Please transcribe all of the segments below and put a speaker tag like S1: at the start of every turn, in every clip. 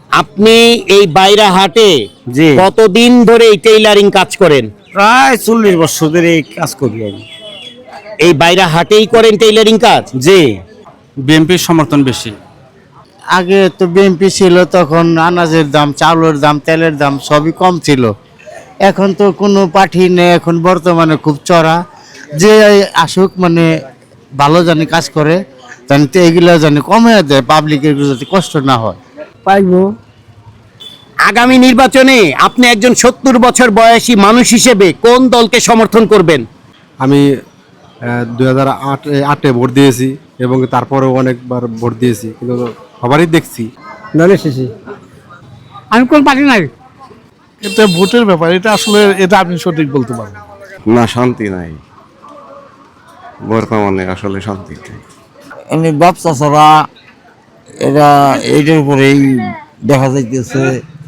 S1: আপনি এই বাইরাহাটে
S2: জি
S1: কতদিন ধরে এই টেইলারিং কাজ করেন?
S2: প্রায় 40 বছর ধরে এই কাজ করি আমি।
S1: এই বাইরাহাটেই করেন টেইলারিং কাজ?
S2: জি
S3: বিএনপির সমর্থন বেশি।
S4: আগে তো বিএনপি ছিল, তখন আনাজের দাম, চাউলের দাম, তেলের দাম সবই কম ছিল। এখন তো কোনো পার্টি নেই, এখন বর্তমানে খুব চড়া। যে আসুক মানে ভালো জানি কাজ করে, জানি তো এগুলো জানি কমে দেয়, পাবলিকের যাতে কষ্ট না হয়।
S2: পাইবো।
S1: আগামী নির্বাচনে আপনি একজন 70 বছর বয়সী মানুষ হিসেবে কোন দলকে সমর্থন করবেন?
S5: আমি 2008-এ ভোট দিয়েছি এবং তারপরেও অনেকবার ভোট দিয়েছি, কিন্তু সবারই দেখছি
S2: দলের শেষে আমি কোন পার্টি নাই।
S6: এটা ভোটের ব্যাপার, এটা আসলে এটা আপনি সঠিক বলতে পারবেন
S7: না, শান্তি নাই বর্তমানে, আসলে শান্তি নেই।
S8: এমনি ব্যবসা ছাড়া এরা এইটার উপরেই দেখা যাইতেছে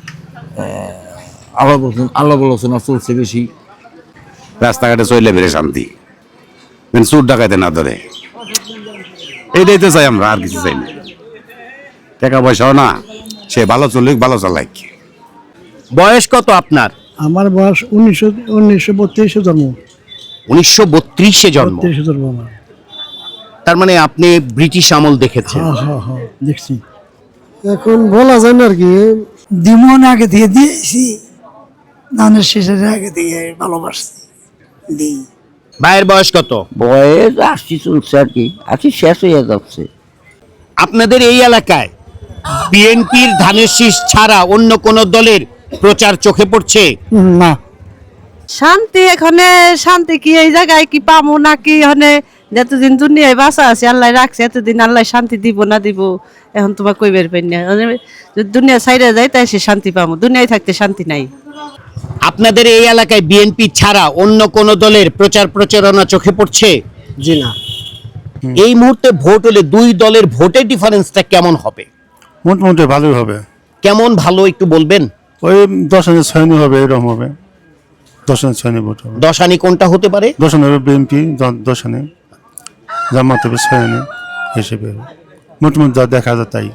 S8: আল্লাহ আলোচনা চলছে বেশি।
S7: রাস্তাঘাটে চলে বেড়ে শান্তি, চুর ডাকাইতে না ধরে, এইটাই তো চাই আমরা, আর কিছু চাই না। টাকা পয়সাও না, সে ভালো চলুক, ভালো চালাক।
S1: বয়স কত আপনার?
S6: আমার বয়স 1932 জন্ম।
S1: 1932-এ জন্ম।
S6: 32 জন্ম আমার।
S1: তার মানে আপনি ব্রিটিশ আমল দেখেছেন।
S6: হ্যাঁ দেখছি।
S9: এখন বলা যায় না আর কি, দিমন আগে দিয়ে দিয়েছি, ধানের শেষের আগে দিয়ে ভালোবাসছি দিই।
S1: ভাইয়ের বয়স কত?
S8: বয়স 80 চলছে আর কি, 80 শেষ হয়ে যাচ্ছে।
S1: আপনাদের এই এলাকায় বিএনপির ধানের শীষ ছাড়া অন্য কোন দলের প্রচার চোখে পড়ছে?
S9: না,
S10: শান্তি এখানে শান্তি কি এই জায়গায় কি পামু নাকি এখানে যতদিন দুনিয়ায় বাঁচা আছে আল্লাহ রাখছে, এতদিন আল্লাহ শান্তি দিব না দিব এখন তোমার কই বের পাই না। যদি দুনিয়া ছাইড়া যায় তাই সে শান্তি পামু, দুনিয়ায় থাকতে শান্তি নাই।
S1: আপনাদের এই এলাকায় বিএনপি ছাড়া অন্য কোন দলের প্রচার প্রচারণা চোখে পড়ছে?
S2: জি না।
S1: এই মুহূর্তে ভোট হলে দুই দলের ভোটের ডিফারেন্সটা কেমন হবে?
S6: মোটামুটি ভালোই হবে।
S1: কেমন ভালো একটু বলবেন?
S6: ওই 10-6 হবে, এরকম হবে। 10-6 ভোট হবে।
S1: 10 আনি কোনটা হতে পারে?
S6: 10 হবে বিএনপি, 10 জামাত হবে 6 হিসেবে, মোটামুটি যা দেখা যায় তাই।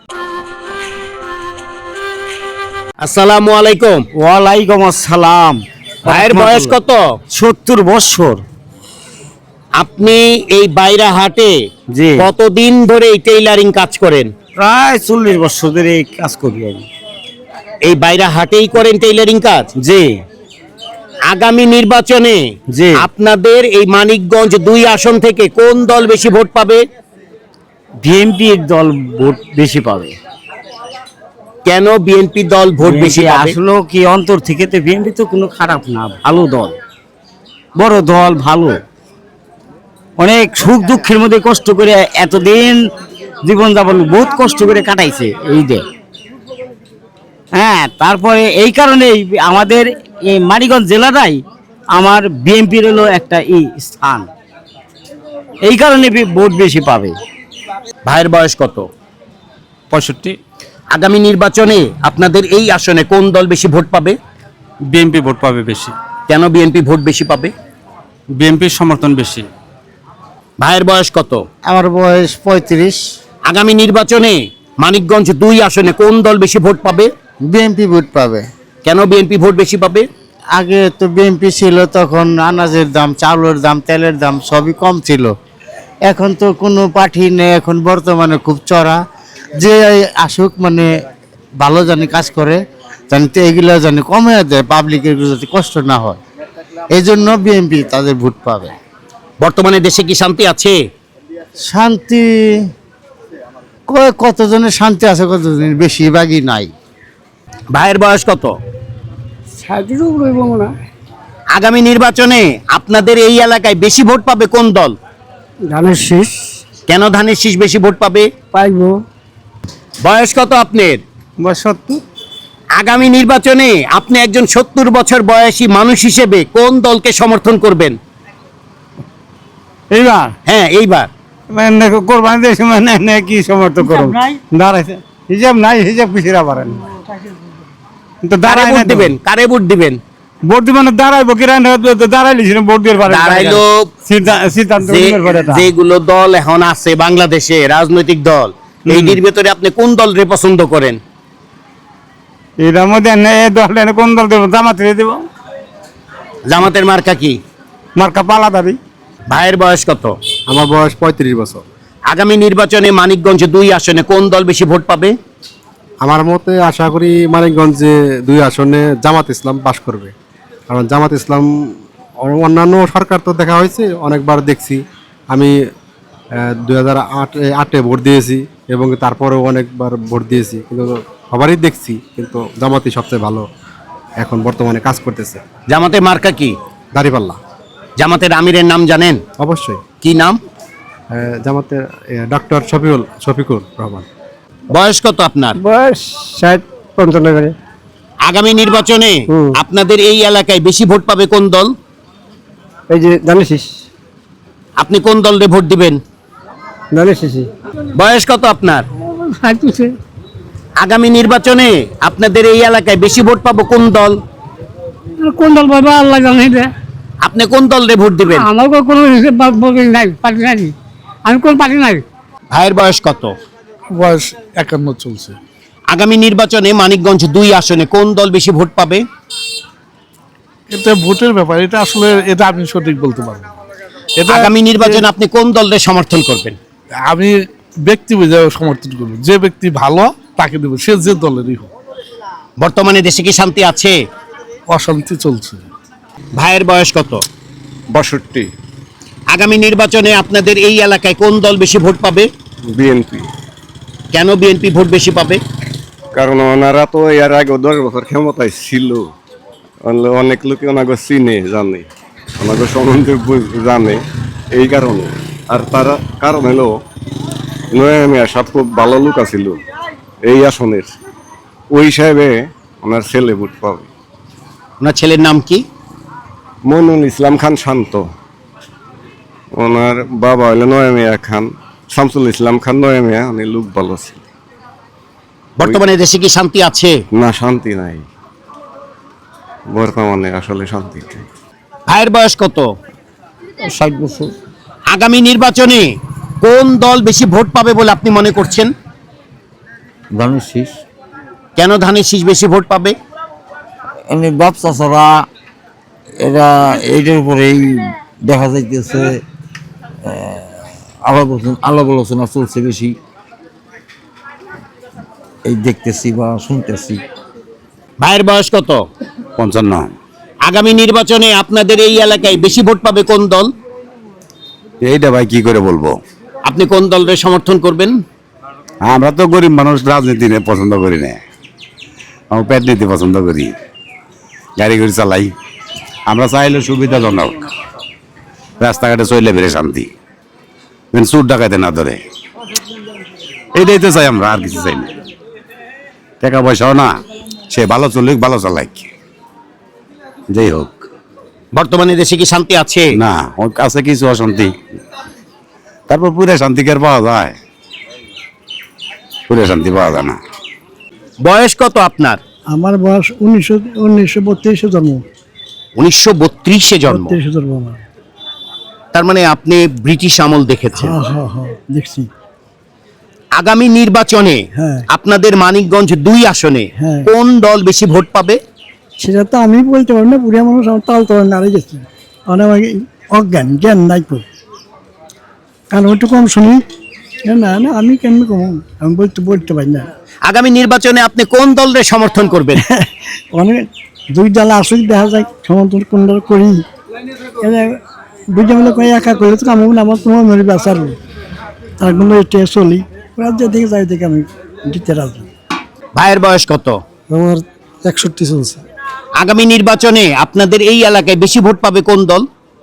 S1: আসসালামু আলাইকুম।
S2: ওয়ালাইকুম আসসালাম।
S1: ভাইয়ের বয়স কত?
S2: 70 বছর।
S1: আপনি এই বাইরাহাটে
S2: জি
S1: কতদিন ধরে এই টেইলারিং কাজ করেন?
S2: প্রায় 40 বছর ধরে এই কাজ করি আমি।
S1: এই বাইরাহাটেই করেন টেইলারিং কাজ?
S2: জি
S1: আগামী নির্বাচনে
S2: জি
S1: আপনাদের এই মানিকগঞ্জ 2 আসন থেকে কোন দল বেশি ভোট পাবে?
S2: বিএনপি দল ভোট বেশি পাবে।
S1: কেন বিএনপি দল ভোট বেশি পাবে?
S2: আসলে কি অন্তর থেকে তো বিএনপি তো কোনো খারাপ না, ভালো দল, বড় দল, ভালো। অনেক সুখ দুঃখের মধ্যে কষ্ট করে এতদিন জীবনযাপন বহুত কষ্ট করে কাটাইছে এই দে। হ্যাঁ, তারপরে এই কারণে আমাদের এই মানিকগঞ্জ জেলাটাই আমার বিএনপির হলো একটা স্থান, এই কারণে ভোট বেশি পাবে।
S1: ভাইয়ের বয়স কত?
S3: 65।
S1: আগামী নির্বাচনে আপনাদের এই আসনে কোন দল বেশি ভোট পাবে?
S3: বিএনপি ভোট পাবে বেশি।
S1: কেন বিএনপি ভোট বেশি পাবে?
S3: বিএনপির সমর্থন বেশি।
S1: ভাইয়ের বয়স কত?
S4: আমার বয়স 35।
S1: আগামী নির্বাচনে মানিকগঞ্জ 2 আসনে কোন দল বেশি ভোট পাবে?
S4: বিএনপি ভোট পাবে।
S1: কেন বিএনপি ভোট বেশি পাবে?
S4: আগে তো বিএনপি ছিল, তখন আনাজের দাম, চাউলের দাম, তেলের দাম সবই কম ছিল। এখন তো কোনো পার্টি নেই, এখন বর্তমানে খুব চড়া। যে আসুক মানে ভালো জানি কাজ করে, জানি তো এগুলো জানি কমে দেয়, পাবলিকের যাতে কষ্ট না হয়। এই জন্য বিএনপি তাদের ভোট পাবে।
S1: বর্তমানে দেশে কি শান্তি আছে?
S4: শান্তি কতজনের শান্তি আছে, কতজনের বেশিরভাগই নাই।
S1: ভাইয়ের বয়স কত? আগামী নির্বাচনে আপনাদের এই এলাকায় বেশি ভোট পাবে কোন দল?
S2: ধানের শীষ
S1: কেন ধানের শীষ বেশি ভোট পাবে?
S2: পাইবো।
S1: বয়স কত আপনার?
S2: 70।
S1: আগামী নির্বাচনে আপনি একজন 70 বছর বয়সী মানুষ হিসেবে কোন দলকে সমর্থন করবেন?
S2: এইবার
S1: হ্যাঁ, এইবার
S2: কোরবানি দেশে মানে কি সমর্থন করব, দাঁড়াইছে হিসাব নাই, হিসাব পিছিয়ে পারেন তো দাঁড়াই
S1: ভোট দিবেন? কারে ভোট দিবেন?
S2: ভোট দিবেন দাঁড়াইবো কি দাঁড়াইলিস ভোট দিয়ে পারে
S1: দাঁড়াইলো
S2: সিদ্ধান্ত
S1: যেগুলো দল এখন আছে বাংলাদেশে রাজনৈতিক দল, এইটির ভেতরে আপনি কোন দলরে পছন্দ করেন?
S2: এটার মধ্যে দল কোন দল দেবো? জামাত দেব।
S1: জামাতের মার্কা কি?
S2: মার্কা পালাদারি।
S1: ভাইয়ের বয়স কত?
S5: আমার বয়স 35 বছর।
S1: আগামী নির্বাচনে মানিকগঞ্জ 2 আসনে কোন দল বেশি ভোট পাবে?
S5: আমার মতে আশা করি মানিকগঞ্জে 2 আসনে জামাত ইসলাম পাশ করবে, কারণ জামাত ইসলাম অন্যান্য সরকার তো দেখা হয়েছে, অনেকবার দেখছি। আমি 2008-এ ভোট দিয়েছি এবং তারপরেও অনেকবার ভোট দিয়েছি, কিন্তু সবারই দেখছি কিন্তু জামাতই সবচেয়ে ভালো এখন বর্তমানে কাজ করতেছে।
S1: জামাতের মার্কা কি?
S5: দাঁড়িপাল্লা।
S1: জামাতের আমিরের নাম জানেন?
S5: অবশ্যই।
S1: কি নাম?
S5: জামাতের ডক্টর শফিকুর রহমান।
S1: বয়স কত আপনার?
S2: বয়স 60-55 করে।
S1: আগামী নির্বাচনে আপনাদের এই এলাকায় বেশি ভোট পাবে কোন দল?
S2: এই যে ধানের
S1: আপনি কোন দলে ভোট দিবেন?
S2: শীষ।
S1: বয়স কত আপনার? আগামী নির্বাচনে আপনাদের এই এলাকায় বেশি ভোট পাবো কোন দল?
S9: কোন দল বাবা আল্লাহ জানে।
S1: আপনি কোন দলে ভোট দিবেন?
S9: আমার কোনো নাই, পার্টি নাই, আমি কোন পার্টি নাই।
S1: ভাইয়ের বয়স কত?
S6: বয়স 51 চলছে।
S1: আগামী নির্বাচনে মানিকগঞ্জ 2 আসনে কোন দল বেশি ভোট পাবে?
S6: এটা ভোটের ব্যাপার, এটা আসলে এটা আমি সঠিক বলতে পারবো না। এটা
S1: আগামী নির্বাচনে আপনি কোন দলের সমর্থন করবেন?
S6: আমি ব্যক্তি বুঝে সমর্থন করবো, যে ব্যক্তি ভালো তাকে দেবো, সে যে দলেরই হোক।
S1: বর্তমানে দেশে কি শান্তি আছে?
S6: অশান্তি চলছে।
S1: ভাইয়ের বয়স কত?
S7: 62।
S1: আগামী নির্বাচনে আপনাদের এই এলাকায় কোন দল বেশি ভোট পাবে?
S7: বিএনপি।
S1: কেন বিএনপি ভোট বেশি পাবে?
S7: কারণ ওনারা তো এর আগে 10 বছর ক্ষমতায় ছিল, অনেক লোকে ওনাকে চিনে জানে, ওনাকে সম্বন্ধে জানে, এই কারণে। আর তারা কারণ হলো নয়া মিয়া সাহেব খুব ভালো লোক আছিল এই আসনের, ওই হিসাবে ওনার ছেলে ভোট পাবে।
S1: ওনার ছেলের নাম কি?
S7: মইনুল ইসলাম খান শান্ত। ওনার বাবা হইলো নয়া মিয়া খান, শামসুল ইসলাম খান নয়া মিয়া, উনি লোক ভালো ছিল।
S1: বর্তমানে দেশে কি শান্তি আছে?
S7: না, শান্তি নাই বর্তমানে, আসলে শান্তি নেই।
S1: ভাইয়ের বয়স কত?
S2: 60 বছর।
S1: আগামী নির্বাচনে কোন দল বেশি ভোট পাবে বলে আপনি মনে করছেন?
S8: ধানের শীষ।
S1: কেন ধানের শীষ বেশি ভোট পাবে?
S8: এমনি ব্যবসা ছাড়া এরা এইটার উপরেই দেখা যাইতেছে আলাপ আলোচনা চলছে বেশি, এই দেখতেছি বা শুনতেছি।
S1: ভাইয়ের বয়স কত?
S7: 55।
S1: আগামী নির্বাচনে আপনাদের এই এলাকায় বেশি ভোট পাবে কোন দল?
S7: এইটা ভাই কি করে বলবো?
S1: আপনি কোন দলের সমর্থন করবেন?
S7: আমরা তো গরিব মানুষ, রাজনীতি পছন্দ করি না, আমরা পেট নীতি পছন্দ করি, গাড়ি গাড়ি চালাই। আমরা চাইলে সুবিধাজনক, রাস্তাঘাটে চললে বেড়ে শান্তি, চুর ডাকাইতে না ধরে, এইটাই তো চাই আমরা, আর কিছু চাই না। টাকা পয়সাও না, সে ভালো চলুক ভালো চালাক, যাই হোক।
S1: বর্তমানে দেশে কি শান্তি আছে?
S7: না, ওর কাছে কিছু অশান্তি, তারপর পুরে শান্তি কি আর পাওয়া যায়? পুরে শান্তি পাওয়া যায় না।
S1: বয়স কত আপনার?
S9: আমার বয়স 1932 জন্ম।
S1: 1932-এ জন্ম।
S9: 32 জন্ম আমার।
S1: তার মানে আপনি ব্রিটিশ আমল দেখেছেন।
S9: হ্যাঁ দেখছি।
S1: আগামী নির্বাচনে
S9: হ্যাঁ।
S1: আপনাদের মানিকগঞ্জ 2 আসনে
S9: হ্যাঁ।
S1: কোন দল বেশি ভোট পাবে?
S9: সেটা তো আমি বলতে পারি না, পুরিয়া মানুষ আমার তাল তোলা নাড়ে গেছে, আমার অজ্ঞান জ্ঞান নাই তো, কারণ ওইটু কম শুনি না। আমি কেমন কম, আমি বলতে পারি না।
S1: আগামী নির্বাচনে আপনি কোন দলের সমর্থন করবেন?
S9: অনেক 2 দল আসুক, দেখা যায় সমর্থন কোন দল করি। দুইটা মিলে কয়ে একা করলে তো কাম হবে না, আমার তোমার মেরে বেচার তার কোনো এটা চলি, রাজ্যের দিকে যাই দেখে আমি দিতে রাজি।
S1: ভাইয়ের বয়স কত?
S9: আমার 61 চলছে।
S1: আগামী নির্বাচনে আপনাদের এই এলাকায় বেশি ভোট পাবে কোন দল?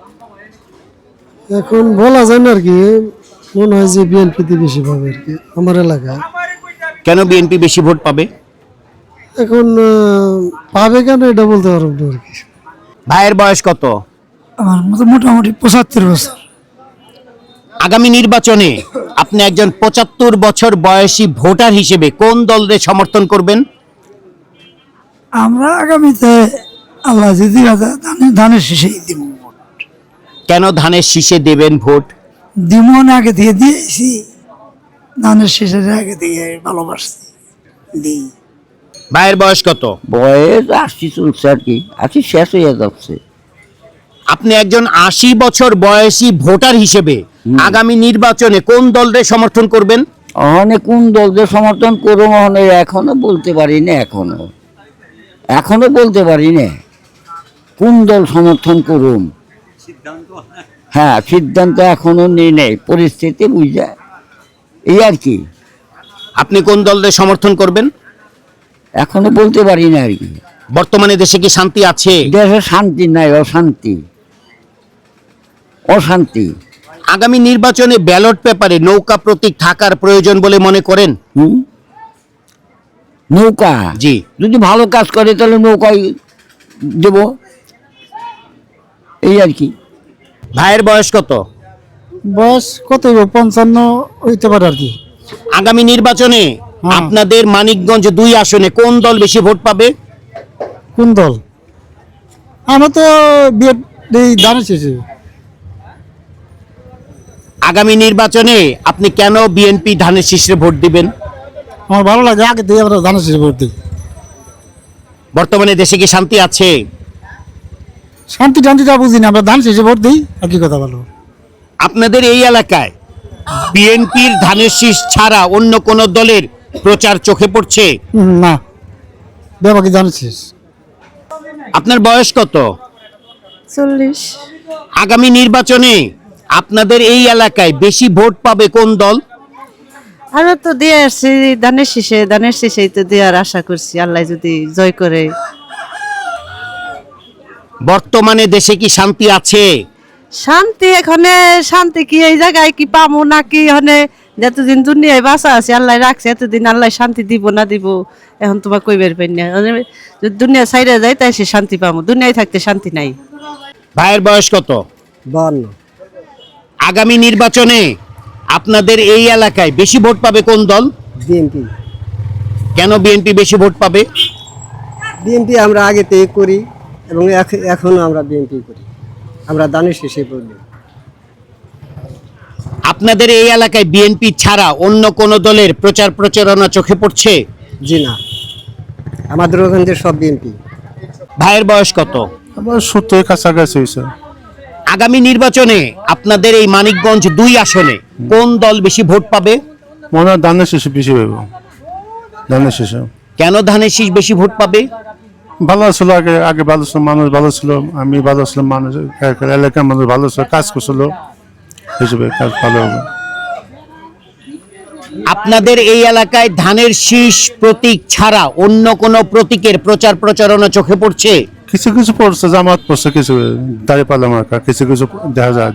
S9: এখন বলা যায় না আর কি, মনে হয় যে বিএনপিতে বেশি পাবে আর কি আমার এলাকায়।
S1: কেন বিএনপি বেশি ভোট পাবে?
S9: এখন পাবে কেন এটা বলতে পারবো না আর কি।
S1: ভাইয়ের বয়স কত?
S9: আমার মতো মোটামুটি 75 বছর।
S1: আগামী নির্বাচনে আপনি একজন 75 বছর বয়সী ভোটার হিসেবে কোন দলের সমর্থন করবেন?
S9: আমরা আগামীতে আল্লাহ যদি ধানের শীষেই দিব।
S1: কেন ধানের শীষে দেবেন ভোট?
S9: দিমন আগে দিয়ে দিয়েছি, ধানের শীষের আগে দিয়ে ভালোবাসছি দিই।
S1: ভাইয়ের বয়স কত?
S8: বয়স 80 চলছে আর কি, 80 শেষ হয়ে যাচ্ছে।
S1: আপনি একজন 80 বছর বয়সী ভোটার হিসেবে আগামী নির্বাচনে কোন দলের সমর্থন করবেন?
S8: অনেক কোন দলকে সমর্থন করবো এখনো বলতে পারি না, এখনো বলতে পারি না কোন দল সমর্থন করুম। হ্যাঁ, সিদ্ধান্ত এখনো নেই নেই, পরিস্থিতি বুঝা এই আর কি।
S1: আপনি কোন দলের সমর্থন করবেন?
S8: এখনো বলতে পারি না আর কি।
S1: বর্তমানে দেশে কি শান্তি আছে?
S8: দেশে শান্তি নাই, অশান্তি অশান্তি।
S1: আগামী নির্বাচনে ব্যালট পেপারে নৌকা প্রতীক থাকার প্রয়োজন বলে মনে করেন?
S8: নৌকা
S1: জি।
S8: যদি ভালো কাজ করে তাহলে নৌকায় দেব, এই আর কি।
S1: ভাইয়ের বয়স কত?
S9: বয়স কত 55 হইতে পারে আর কি।
S1: আগামী নির্বাচনে আপনাদের মানিকগঞ্জ 2 আসনে কোন দল বেশি ভোট পাবে?
S9: কোন দল? আমরা তো বিয়ে দাঁড়িয়ে শেষে।
S1: আগামী নির্বাচনে আপনি কেন বিএনপি ধানের শীষে ভোট দিবেন?
S9: আমার ভালো লাগে, আগে দিয়ে আমরা দাঁড়িয়ে শেষে ভোট দিই।
S1: বর্তমানে দেশে কি শান্তি আছে?
S9: শান্তি টান্তিটা বুঝি না, আমরা ধান শেষে ভোট দিই আর কি কথা বলো।
S1: আপনাদের এই এলাকায় বিএনপির ধানের শীষ ছাড়া অন্য কোন দলের প্রচার চোখে পড়ছে?
S9: না, ব্যাপারী ধানের শেষ।
S1: আপনার বয়স কত?
S10: 40।
S1: আগামী নির্বাচনে আপনাদের এই এলাকায় বেশি ভোট পাবে কোন দল?
S10: আমরা তো দিয়ে আসছি ধানের শীষেই তো দেওয়ার আশা করছি, আল্লাহ যদি জয় করে।
S1: বর্তমানে দেশে কি শান্তি আছে?
S10: শান্তি শান্তি কি এই জায়গায় কি পামু নাকি এখানে যতদিন দুনিয়ায় বাঁচা আছে আল্লাহ রাখছে, এতদিন আল্লাহ শান্তি দিব না দিব এখন তোমার কইবার পাই না। যদি দুনিয়া ছাইড়া যায় তাই সে শান্তি পামু, দুনিয়ায় থাকতে শান্তি নাই।
S1: ভাইয়ের বয়স কত?
S9: 52।
S1: আগামী নির্বাচনে আপনাদের এই এলাকায় বেশি ভোট পাবে কোন দল?
S9: বিএনপি।
S1: কেন বিএনপি বেশি ভোট পাবে?
S9: বিএনপি আমরা আগে থেকে করি এবং এখনো আমরা বিএনপি করি, আমরা দানের শেষে ভোট দিই।
S1: আপনাদের এই এলাকায় বিএনপি ছাড়া অন্য কোন দলের প্রচার প্রচারণা চোখে পড়ছে?
S9: জি না, আমাদের ওখান থেকে সব বিএনপি।
S1: ভাইয়ের বয়স কত?
S6: আবার 70 কাছাকাছি হয়েছে।
S1: আগামী নির্বাচনে আপনাদের এই মানিকগঞ্জ 2 আসনে কোন দল বেশি ভোট পাবে?
S6: মনে হয় ধানের শেষে বেশি হইব, ধানের শেষে।
S1: কেন ধানের শীষ বেশি ভোট পাবে?
S6: ভালো ছিল, আগে আগে ভালো ছিল, মানুষ ভালো ছিল, আমি ভালো ছিলাম, মানুষ এলাকার মানুষ ভালো ছিল, কাজ করছিল, হিসেবে কাজ ভালো হবে।
S1: আপনাদের এই এলাকায় ধানের শীষ প্রতীক ছাড়া অন্য কোন প্রতীকের প্রচার প্রচারণা চোখে পড়ছে?
S6: কিছু কিছু পড়ছে, জামাত পড়ছে, কিছু দাঁড়িপাল্লা মার্কা, কিছু কিছু দেখা যায়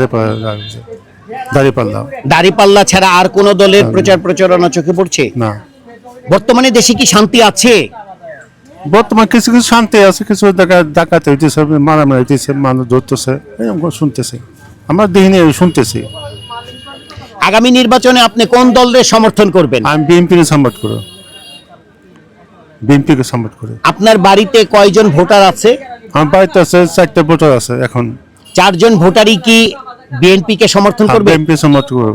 S6: দাঁড়িপাল্লা।
S1: দাঁড়িপাল্লা ছাড়া আর কোন দলের প্রচার প্রচারণা চোখে পড়ছে
S6: না।
S1: বর্তমানে দেশে কি শান্তি আছে?
S6: বর্তমান কিছু কিছু শান্তি আছে, কিছু ডাকাতি হইতেছে, মারামারি হইতেছে, মানুষ ধরতেছে, এরকম শুনতেছি, আমরা দেখিনি, শুনতেছি।
S1: আগামী নির্বাচনে আপনি কোন দলের সমর্থন করবেন?
S6: আমি বিএনপিকে সাপোর্ট করি, বিএনপিকে সাপোর্ট করি।
S1: আপনার বাড়িতে কয়জন ভোটার আছে?
S6: আমার বাড়িতে আছে 4টা ভোটার আছে এখন।
S1: 4 জন ভোটারই কি বিএনপি কে সমর্থন করবে?
S6: বিএনপি সমর্থন করব,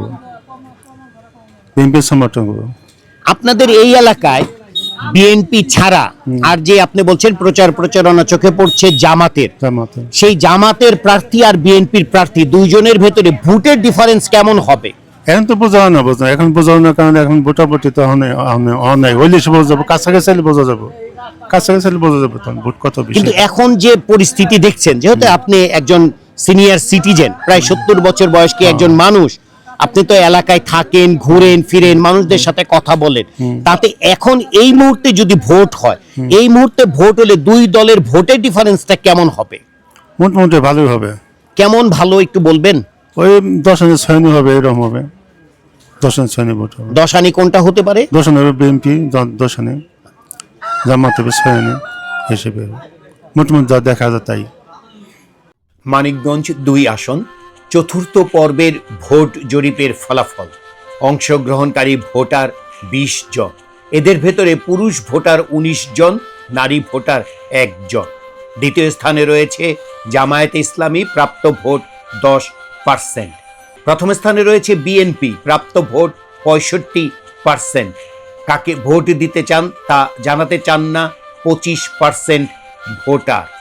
S6: বিএনপি সমর্থন করব।
S1: আপনাদের এই এলাকায় বিএনপি ছাড়া আর যে আপনি বলছেন প্রচার প্রচারণা চোখে পড়ছে জামাতের, সেই জামাতের প্রার্থী আর বিএনপির প্রার্থী দুইজনের ভেতরে ভোটের ডিফারেন্স কেমন হবে?
S6: এখন তো বোঝানো না, এখন বোঝানোর কারণে এখন ভোটাভুটি তো অনেক হইলে সে বোঝা যাবো, কাছাকাছি বোঝা যাবো, কাছাকাছি বোঝা যাবো তখন ভোট কত বেশি।
S1: কিন্তু এখন যে পরিস্থিতি দেখছেন, যেহেতু আপনি একজন সিনিয়র সিটিজেন, প্রায় 70 বছর বয়স্ক একজন মানুষ, আপনি তো এলাকায় থাকেন, ঘুরেন ফিরেন, মানুষদের সাথে কথা বলেন, তাতে এখন এই মুহূর্তে যদি ভোট হয়, এই মুহূর্তে ভোট হলে 2 দলের ভোটের ডিফারেন্সটা কেমন হবে?
S6: মোটামুটি ভালোই হবে।
S1: কেমন ভালো একটু বলবেন?
S6: ওই 10 আনি 6 আনি হবে, এরকম হবে, 10 আনি 6 আনি ভোট হবে।
S1: 10 আনি কোনটা হতে পারে?
S6: 10 আনি হবে বিএনপি, 10 আনি জামাত হবে, 6 আনি হিসেবে মোটামুটি যা দেখা যায় তাই।
S1: মানিকগঞ্জ 2 আসন চতুর্থ পর্বের ভোট জরিপের ফলাফল। অংশগ্রহণকারী ভোটার 20 জন, এদের ভেতরে পুরুষ ভোটার 19 জন, নারী ভোটার 1 জন। দ্বিতীয় স্থানে রয়েছে জামায়াতে ইসলামী, প্রাপ্ত ভোট 10%। প্রথম স্থানে রয়েছে বিএনপি, প্রাপ্ত ভোট 65%। কাকে ভোট দিতে চান তা জানাতে চান না 25% ভোটার।